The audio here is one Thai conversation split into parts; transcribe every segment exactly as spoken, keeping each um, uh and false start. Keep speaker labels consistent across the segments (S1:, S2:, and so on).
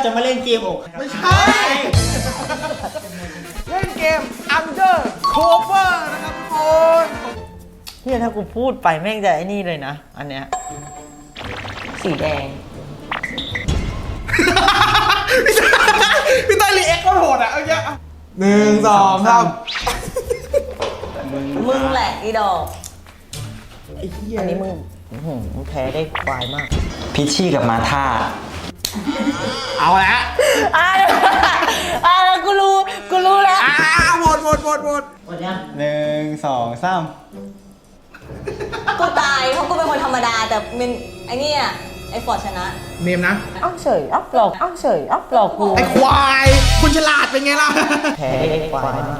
S1: จะมาเล่นเกมอก
S2: ไม่ใช่เล่นเกม Undercover นะครับทุกคน
S3: เฮียถ้ากูพูดไปแม่งจะไอ้นี่เลยนะอันเนี้ยสีแดง
S2: พี่ต้อยรีแอคก็โหดอ่ะเอาเยอะหนึ่งสองสาม
S3: มึงแหละอีดอก
S2: ไอ้เหี้ย
S3: อันนี้มึงมึงแพ้ได้ควายมาก
S1: พิชชี่กับมาธา
S2: เอาละ
S3: อ่าอ่ากูรู้กูรู้แล้ว
S2: อ่าหมดหมดหมดหมด
S3: หมดยัง
S1: หนึ่งสองสาม
S4: กูตายเพราะกูเป็นคนธรรมดาแต่เป็นไอ้นี่อ่ะไอ้ฟอร์ดชนะ
S2: เนมนะ
S3: อ้าวเฉยอ้าวหลอกอ้าวเฉยอ้าวหลอกกู
S2: ไอ้ควายคุณฉลาดเป็นไงล่ะ
S3: แพ้ได้ควายมาก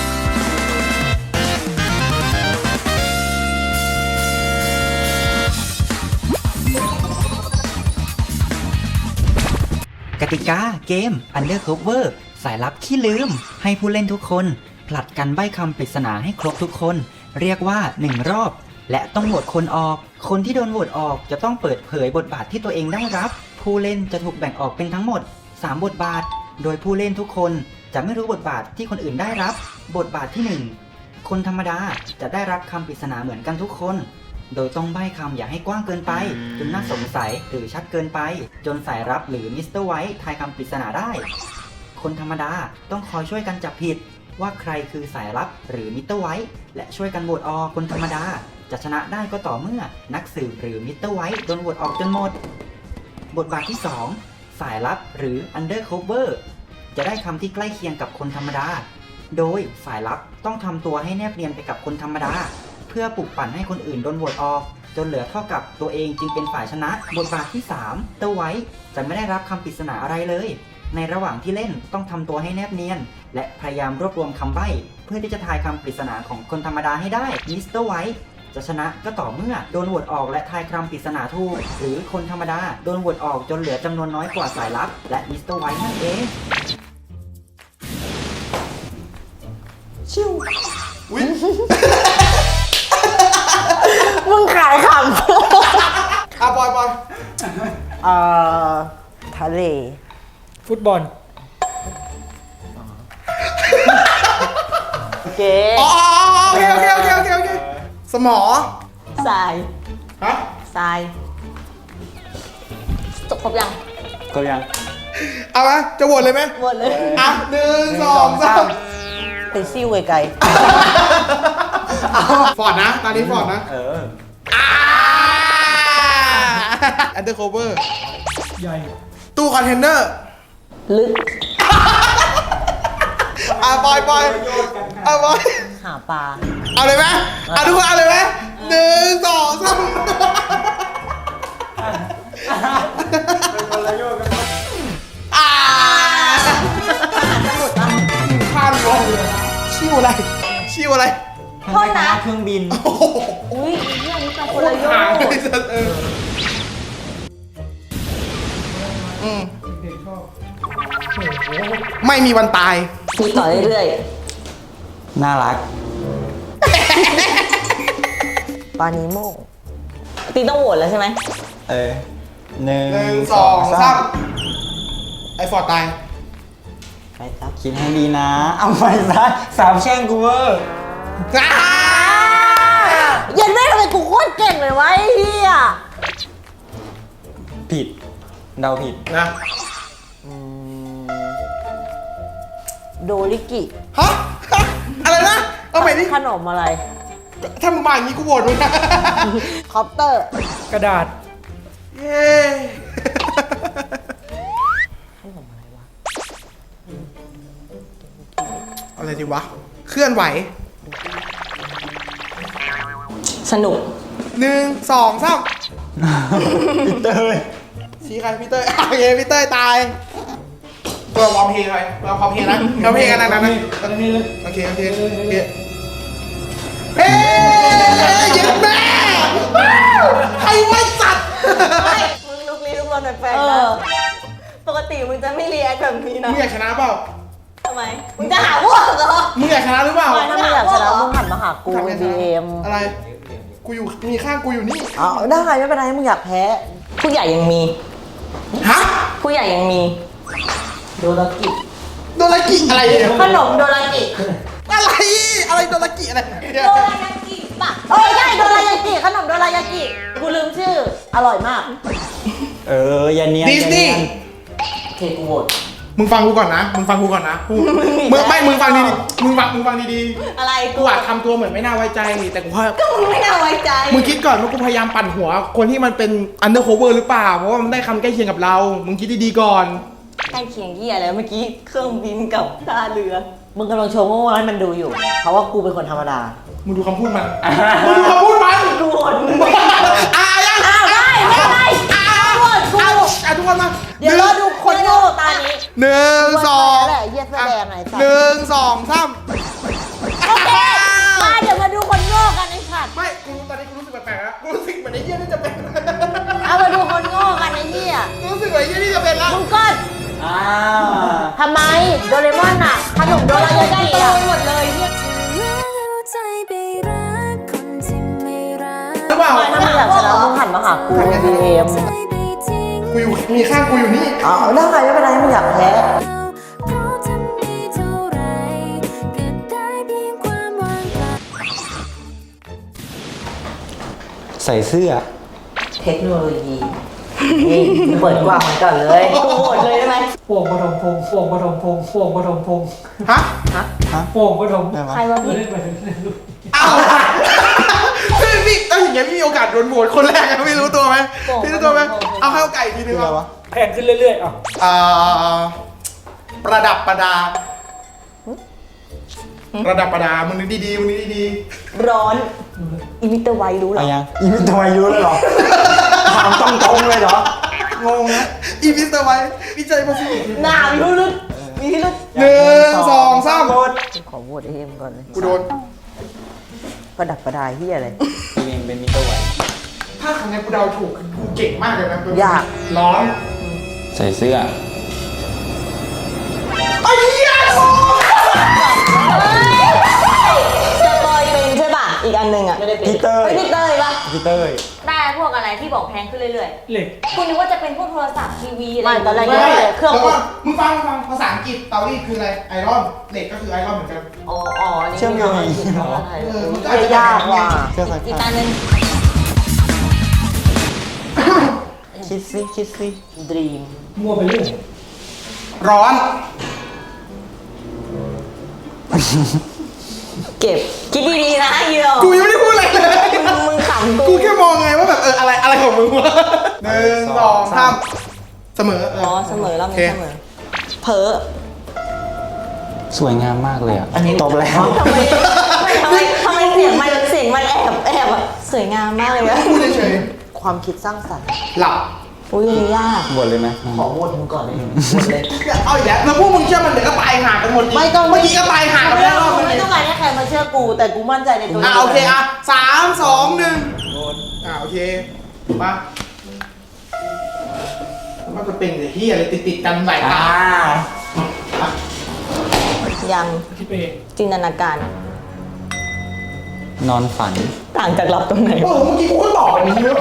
S1: กติกาเกม Undercover สายลับขี้ลืมให้ผู้เล่นทุกคนผลัดกันใบ้คำปริศนาให้ครบทุกคนเรียกว่าหนึ่งรอบและต้องโหวตคนออกคนที่โดนโหวตออกจะต้องเปิดเผยบทบาทที่ตัวเองได้รับผู้เล่นจะถูกแบ่งออกเป็นทั้งหมดสามบทบาทโดยผู้เล่นทุกคนจะไม่รู้บทบาทที่คนอื่นได้รับบทบาทที่หนึ่งคนธรรมดาจะได้รับคำปริศนาเหมือนกันทุกคนโดยต้องใบ้คำอย่าให้กว้างเกินไปจนน่าสงสัยหรือชัดเกินไปจนสายรับหรือมิสเตอร์ไวท์ทายคำปริศนาได้คนธรรมดาต้องคอยช่วยกันจับผิดว่าใครคือสายลับหรือมิสเตอร์ไวท์และช่วยกันโหวตออกคนธรรมดาจะชนะได้ก็ต่อเมื่อนักสืบหรือมิสเตอร์ไวท์โดนโหวตออกจนหมดบทบาทที่สองสายลับหรือ Undercover จะได้คำที่ใกล้เคียงกับคนธรรมดาโดยสายลับต้องทำตัวให้แนบเนียนไปกับคนธรรมดาเพื่อปลุกปั่นให้คนอื่นโดนโหวตออกจนเหลือเท่ากับตัวเองจึงเป็นฝ่ายชนะบทบาทที่สามเตอร์ไวท์จะไม่ได้รับคำปริศนาอะไรเลยในระหว่างที่เล่นต้องทำตัวให้แนบเนียนและพยายามรวบรวมคำใบ้เพื่อที่จะทายคำปริศนาของคนธรรมดาให้ได้มิสเตอร์ไวท์จะชนะก็ต่อเมื่อโดนโหวตออกและทายคำปริศนาถูกหรือคนธรรมดาโดนโหวตออกจนเหลือจำนวนน้อยกว่าสายลับและมิสเตอร์ไวท์นั่นเอง
S3: ชิว
S2: อุ๊ย
S3: มึงขายขำ
S2: อ่ะปล่อยปล่อย
S3: เอ่อทะเล
S5: ฟุตบอล
S3: โอเค
S2: อ๋อโอเคโอเคโอเคโอเคโอเคสมอ
S4: ทราย
S2: ฮะ
S4: ทรายจบครบยัง
S1: ก็ยัง
S2: เอาไหมจะโหวตเลยไหม
S4: หมดเลย
S2: อ่ะหนึ่งสองสาม
S3: ไปซิ่วไกล
S2: ฟอร์ดนะตอนนี้ฟอร์ดนะ
S1: เออ
S2: อ่า Undercover
S5: ใหญ่
S2: ตู้คอนเทนเนอร์
S4: ลึก
S2: อ่ะปล่อยปล่อยอ่ะปล่อย
S3: หาปลา
S2: เอาเลยไหมอ่ะทุกคนเอาเลยไหมหนึ่งสองสาม
S5: เป็นคนละโยกกัน
S2: อ่าข้ามวงเลยชิวอะไรชิวอะไร
S4: โทษนะ
S1: เครื่องบิน
S4: อุ้ยเรื่องนี้เป็นคนละโยก
S2: ไม่มีวันตาย
S4: มีต่อเรื่อย
S1: ๆน่ารัก
S3: ปานิโม
S4: ตีต้องโหวตแล้วใช่ไหม
S1: เออหนึ่ง
S2: หนึ่งสองสามไอฟอร์ดตาย
S3: ไปครับ
S1: คิดให้ดีนะเอาไปซะสามแช่งกูเวอร์
S3: ยันแม่ทำไมกูโคตรเก่งเลยวะไอ้เหี้ย
S1: ผิดเดาผิด
S2: นะ
S3: โดริกิ
S2: ฮะอะไรนะเอาไปดิ
S3: ขนมอะไร
S2: ถ้ามึงมาอย่างนี้กูโหวตมึงนะ
S3: คอปเตอร์
S5: กระดาษ
S2: เย้
S3: ขนมอะไรวะ
S2: อะไรดีวะเคลื่อนไหว
S4: สนุก
S2: หนึ่งสองสาม
S1: พี่เต้ย
S2: ชี้ใครพี่เต้ยโอเคพี่เต้ยตายตัววอร์มเพลย์ไปเราพร้อมเพลย์นะเราเพลย์กันนะนะโอเคโอเคโอเคเฮ้ยเย็นแม่ใครไม่สัตว์
S4: ไม่มึงลุกลี้ลุกลนแปลกๆนะปกติมึงจะไม่รีแอคแบบนี้นะ
S2: มึงอยากชนะเปล่า
S4: ทำไมมึงจะหาพวกเหรอ
S2: มึงอยากชนะหรือเปล่า
S3: ถ้ามึงอยากชนะมึงหันมาหากูบีเอ็ม
S2: อะไรกูอยู่มีข้างกูอยู่นี่
S3: อ๋อได้ไม่เป็นไรมึงอยากแพ้
S4: ผู้ใหญ่ยังมี
S2: ฮะ
S4: ผู้ใหญ่ยังมี
S3: โดรากิ
S2: โดรากิอะไรเนี่ย
S3: ขนมโดรากิ
S2: อะไรอะไรโดรากิอะไรเนี่ย
S4: โดรายากิปะ
S3: เออใช่โดรายากิขนมโดรายากิกูลืมชื่อ อร่อยมาก
S1: เอออย่าเนียน
S2: ดิสนีย์
S3: เทกูโหวต
S2: มึงฟังกูก่อนนะมึงฟังกูก่อนนะกูมึงไม่มึงฟังดีๆมึงฟังมึงฟังดี
S4: อะไร
S2: ๆ
S4: กู
S2: กูอาจทำตัวเหมือนไม่น่าไว้ใจแต่กูว่า
S4: ก็มึงไม่น่าไว้ใจ
S2: มึงคิดก่อนว่ากูพยายามปั่นหัวคนที่มันเป็น undercover หรือเปล่าเพราะว่ามันได้คำใกล้เคียงกับเรามึงคิดดีๆก่อน
S4: ใกล้เคียงเหี้ยแล้วเมื่อกี้เครื่องบินกับท่าเรือ
S3: มึงกำลังโชว์โง่ให้มันดูอยู่ เพราะว่ากูเป็นคนธรรมดา
S2: มึงดูคำพูดมันมึงดูคำพูดมัน
S3: กูโหวตมึง
S2: อ่ะยัง
S3: อ้าวได้ไม่ได้
S2: อ่ะ
S3: โหวตกู
S2: อ่ะอ่ะทุกคนมา
S3: เดี๋ยวเราดูคนโง่ตานี้
S2: หนึ่งสอง
S3: แหละเหี้ยแสดงไอ้สัส
S2: หนึ่งสองสาม
S3: โอเคมาเดี๋ยวมาดูคนโง่กันไอ้สัตว์
S2: ไม่กูตอนนี้กูรู้สึกแปลกๆแล้วกูรู้สึกเหมือนไอ้เหี้ยนี่จะเป็น
S3: เอามาดูคนโง่กันไอ้เหี้ย
S2: กูรู้สึกเหมือนไอ้เหี้ยนี่จะเป็นแล้ว
S3: มึงก็
S1: อ้าว
S3: ทำไมโดเรมอนอะขนมโดรายากิอะ
S4: หมดเลยเหี้ย
S2: หรือเปล่า
S3: ถ้ามึงอยากชนะมึงหันมาหากูดีเอ็ม
S2: กูอยู่มีข้างกูอยู่นี่
S3: อ๋อได้ไงไม่เป็นไรมึงอยากแพ้
S1: ใส่เสื้อ
S3: เทคโนโลยีนี่เปิดกว้างมันก่อนเลย
S4: กูโหวตเลยได้ไหม
S5: โป่งปฐมพงษ์โป่งปฐมพงษ์โป่งปฐมพงษ์
S2: ฮะ
S5: โป่งปฐม
S1: ได้ไหม
S4: ใครวะ
S5: ไม่
S4: พี่
S5: ได้ไปถึงเล่นลูก
S2: อ้าวพี่พี่ถ้าอย่างเงี้ยพี่มีโอกาสโดนโหวตคนแรกนะพี่รู้ตัวไหมพี่รู้ตัวไหมเอาให้โอกาสอีกทีนึงเอา
S5: แพงขึ้นเรื่อยๆอ่ะ
S2: อ่าประดับประดา ประดับประดามึงนึกดีๆมึงนึกดี
S4: ร้อนอีมิเตอร์ไวรู้เหร
S1: เอา
S4: อ
S1: ยังอีมิทำไมรู้เลยเหรอถามตรงๆเลยเหรอ
S2: ๆงงนะอีมิสเตอร์ไว้วิจัยมาสิ
S4: หนามีพิรุษมีพิรุษ
S2: หนึ่งสองสาม
S3: ขอโหวตเอ็มก่อนเลย
S2: กูโดน
S3: ประดับประดาเฮียอะไร
S1: ตัวเองเป็นมิเตอร์ไว
S2: ถ้าครั้งนี้กูเดาถูกกูเก่งมากเลยนะ
S3: ยาก
S2: ร้อน
S1: ใส่เสื้อ
S2: ไอ้เหี้ย
S4: สปอยเป็นใช่ป่ะ อีกอันหนึ่งอ่ะ
S3: ไม่ได้เป็น
S1: พี่เตอร์
S4: ไม่พี่เตยป่ะ
S1: พี่เตอร์
S4: ได้พวกอะไรที่บอกแพงขึ้นเรื่อย
S5: เหล็ก
S4: ๆ คุณนึกว่าจะเป็นพวกโทรศัพท์ทีวีอะไร
S3: ไม่ตอนแรก
S2: ไม่
S3: ยังไม่เลยเครื่อง
S2: แล้ว
S3: บ
S2: ก็
S3: ด
S2: มึงฟังมึงฟังภาษาอังกฤษเตารีดคืออะไรไอรอนเหล็กก็คือไอรอนเหมือนกัน
S3: อ๋ออ๋อนี่
S1: เชื่อมโยง
S3: ไม่
S1: อย่างนี้เหรอ
S2: เออมันก็
S3: เหี้ยยากว่ะ
S1: เสื้อใส่
S4: อีก
S1: ผ้า
S4: อันหนึง
S1: คิดซิคิดซิ
S3: ดรีม
S5: มั่วไปเรื่อย
S2: ร้อน
S4: เก็บ คิดดีๆนะยูโร
S2: กูยังไม่ได้พูดอะไรเลย
S4: มึงมึงขำ
S2: กู
S4: กู
S2: แค่มองไงว่าแบบเอออะไรอะไรของมึงวะหนึ่งสองสามเสมอเอ
S4: อ๋อ
S2: อ
S4: เสมอรอบ
S2: โอเค
S4: นี้เสมอ เพ้อ
S1: สวยงามมากเลยอ่ะ
S3: อันนี้
S1: ตบแล้ว
S4: ทำไมทำไมทำไมเสียงมันเสียงมันแอบแอบอะสวยงามมากเลยอะ
S2: พูดเฉย
S3: ความคิดสร้างสรรค์
S2: ๆหลับ
S4: อุ้ยอันนี้ยาก
S1: บวชเลยไหม
S3: ขอโหวตมึงก่อนเลยโหวตเลย
S2: เอาอีกแล้วแล้วพวกมึงเชื่อมันเดี๋ยวก็ตายห่ากันหมดอีก
S3: ไม่ต้อง
S2: เมื่อกี้ก็ตายห่ากันไป
S3: ไม่
S2: แล้วรอบนึง
S3: ไม่ต้องการให้ใครมาเชื่อกู แต่กูมั่นใจในตัว
S2: อ่ะโอเคอ่ะสามสองหนึ่งอ่ะโอเคมามันก็เป็นแต่ที่อะไรติดติดๆกันหลายตา
S4: ยัง
S5: คิดไปเอง
S4: จินตนาการ
S1: นอนฝัน
S4: ต่างจากหลับตรงไหน
S2: โอ้โหเมื่อกี้กูก็ตอบแบบนี้เลย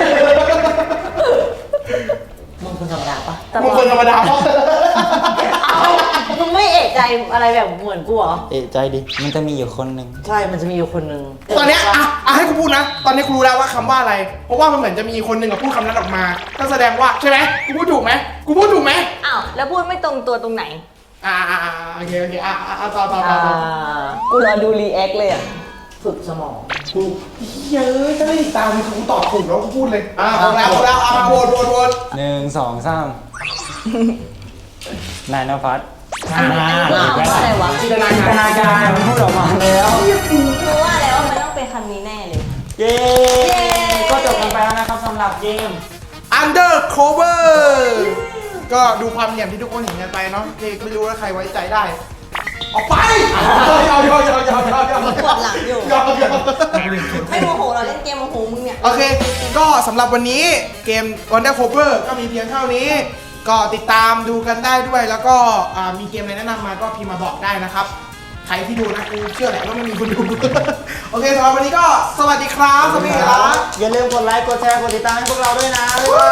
S3: มึงคนธรรมดาปะ
S2: มึงคนธรรมดาเพราะ
S3: เอามึงไม่เอะใจอะไรแบบเหมือนกูเหรอ
S1: เอะใจดิ มันจะมีอยู่คนหนึ่ง
S3: ใช่ มันจะมีอยู่คนหนึ่ง
S2: ตอนเนี้ยอ่ะอ่ะให้กูพูดนะ ตอนนี้กูรู้แล้วว่าคำว่าอะไร เพราะว่ามันเหมือนจะมีคนหนึ่งกับพูดคำนั้นออกมา ก็แสดงว่าใช่ไหมกูพูดถูกไหมกูพูดถูกไหม
S4: อ้าวแล้วพูดไม่ตรงตัวตรงไหน
S2: อ่าอ่าอ่าโอเคโอเคอ่ะอ่ะอ่ะต่อต่อต่อ
S3: อ่า
S2: ต่อ
S4: กูรอดูรีแอคเลยอะ
S3: ฝึกสมอง
S2: กูเฮ้ยถ้าไม่ติดตามมึงกูตอบถูกแล้วกูพูดเลยอ่ะเอาแล้วเอาแล้วเอามาโหวตโหวตโหวต
S1: หนึ่งสองสามนายนภัส
S4: อันนี้คือคำว่าอะไรวะ
S2: จินตนา
S1: จินต
S2: การ
S1: นาการมันพูดออกมาแล้ว
S4: กูว่าแล้วมันต้องเป็นคำนี้แน่เลย
S1: เย้ ก็จบกันไปแล้วนะครับสำหรับเกม
S2: อันเดอร์โคเวอร์ก็ดูความเหลี่ยมที่ทุกคนเห็นกันไปเนาะเอกไม่รู้ว่าใครไว้ใจได้ ออกไปยาวยาวยาวยาวยาวยาว
S4: ปวดหลังอยู่
S2: ยาวยาว
S4: ไม่โมโหเราเล่นเกมโมโหมึงเนี่ย
S2: โอเค ก็สำหรับวันนี้เกม Wonder Cover ก็มีเพียงเท่านี้ ก็ติดตามดูกันได้ด้วย แล้วก็อ่ามีเกมอะไรแนะนำมาก็พิมพ์มาบอกได้นะครับ ใครที่ดูนะกูเชื่อแหละว่าไม่มีคนดู โอเคสำหรับวันนี้ก็สวัสดีครับสวัสดีครับ
S1: อย่าลืมกดไลค์ กดแชร์ กดติดตามให้พวกเราด้วยนะบ๊ายบาย